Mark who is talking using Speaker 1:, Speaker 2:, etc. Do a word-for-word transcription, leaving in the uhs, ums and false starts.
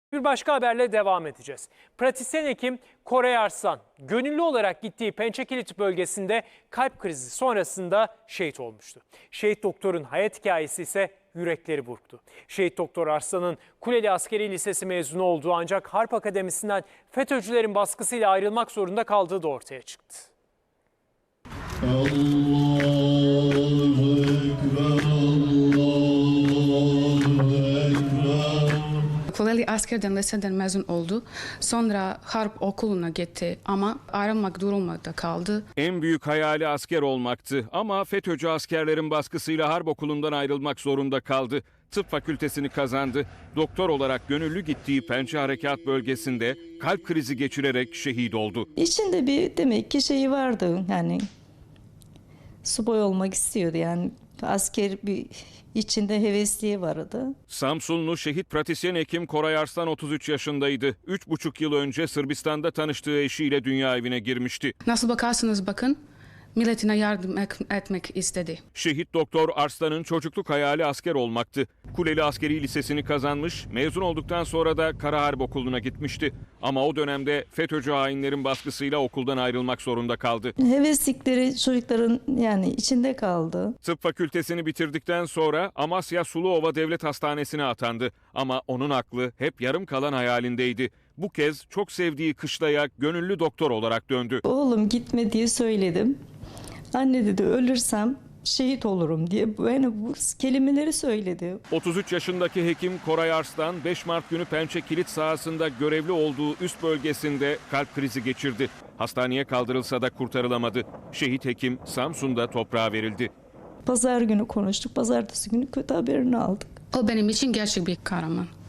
Speaker 1: Bir başka haberle devam edeceğiz. Pratisyen hekim Koray Arslan, gönüllü olarak gittiği Pençekilit bölgesinde kalp krizi sonrasında şehit olmuştu. Şehit doktorun hayat hikayesi ise yürekleri burktu. Şehit doktor Arslan'ın Kuleli Askeri Lisesi mezunu olduğu ancak Harp Akademisi'nden FETÖ'cülerin baskısıyla ayrılmak zorunda kaldığı da ortaya çıktı.
Speaker 2: Allahu Ekber, Allahu Ekber.
Speaker 3: Kuleli Askerden liseden mezun oldu. Sonra Harp Okulu'na gitti ama ayrılmak durumunda kaldı.
Speaker 4: En büyük hayali asker olmaktı ama FETÖ'cü askerlerin baskısıyla Harp Okulu'ndan ayrılmak zorunda kaldı. Tıp fakültesini kazandı. Doktor olarak gönüllü gittiği Pençe Harekat Bölgesi'nde kalp krizi geçirerek şehit oldu.
Speaker 5: İçinde bir demek ki şeyi vardı, yani subay olmak istiyordu, yani asker bir içinde hevesliği vardı.
Speaker 4: Samsunlu şehit pratisyen hekim Koray Arslan otuz üç yaşındaydı. üç buçuk yıl önce Sırbistan'da tanıştığı eşiyle dünya evine girmişti.
Speaker 3: Nasıl bakarsanız bakın, milletine yardım etmek istedi.
Speaker 4: Şehit doktor Arslan'ın çocukluk hayali asker olmaktı. Kuleli Askeri Lisesi'ni kazanmış, mezun olduktan sonra da Kara Harp Okulu'na gitmişti. Ama o dönemde FETÖ'cü hainlerin baskısıyla okuldan ayrılmak zorunda kaldı.
Speaker 5: Heveslikleri çocukların yani içinde kaldı.
Speaker 4: Tıp fakültesini bitirdikten sonra Amasya Suluova Devlet Hastanesi'ne atandı. Ama onun aklı hep yarım kalan hayalindeydi. Bu kez çok sevdiği kışlaya gönüllü doktor olarak döndü.
Speaker 5: Oğlum gitme diye söyledim. Anne dedi, ölürsem şehit olurum diye yani bu kelimeleri söyledi.
Speaker 4: otuz üç yaşındaki hekim Koray Arslan beş Mart günü Pençekilit sahasında görevli olduğu üst bölgesinde kalp krizi geçirdi. Hastaneye kaldırılsa da kurtarılamadı. Şehit hekim Samsun'da toprağa verildi.
Speaker 5: Pazar günü konuştuk. Pazartesi günü kötü haberini aldık.
Speaker 3: O benim için gerçek bir kahraman.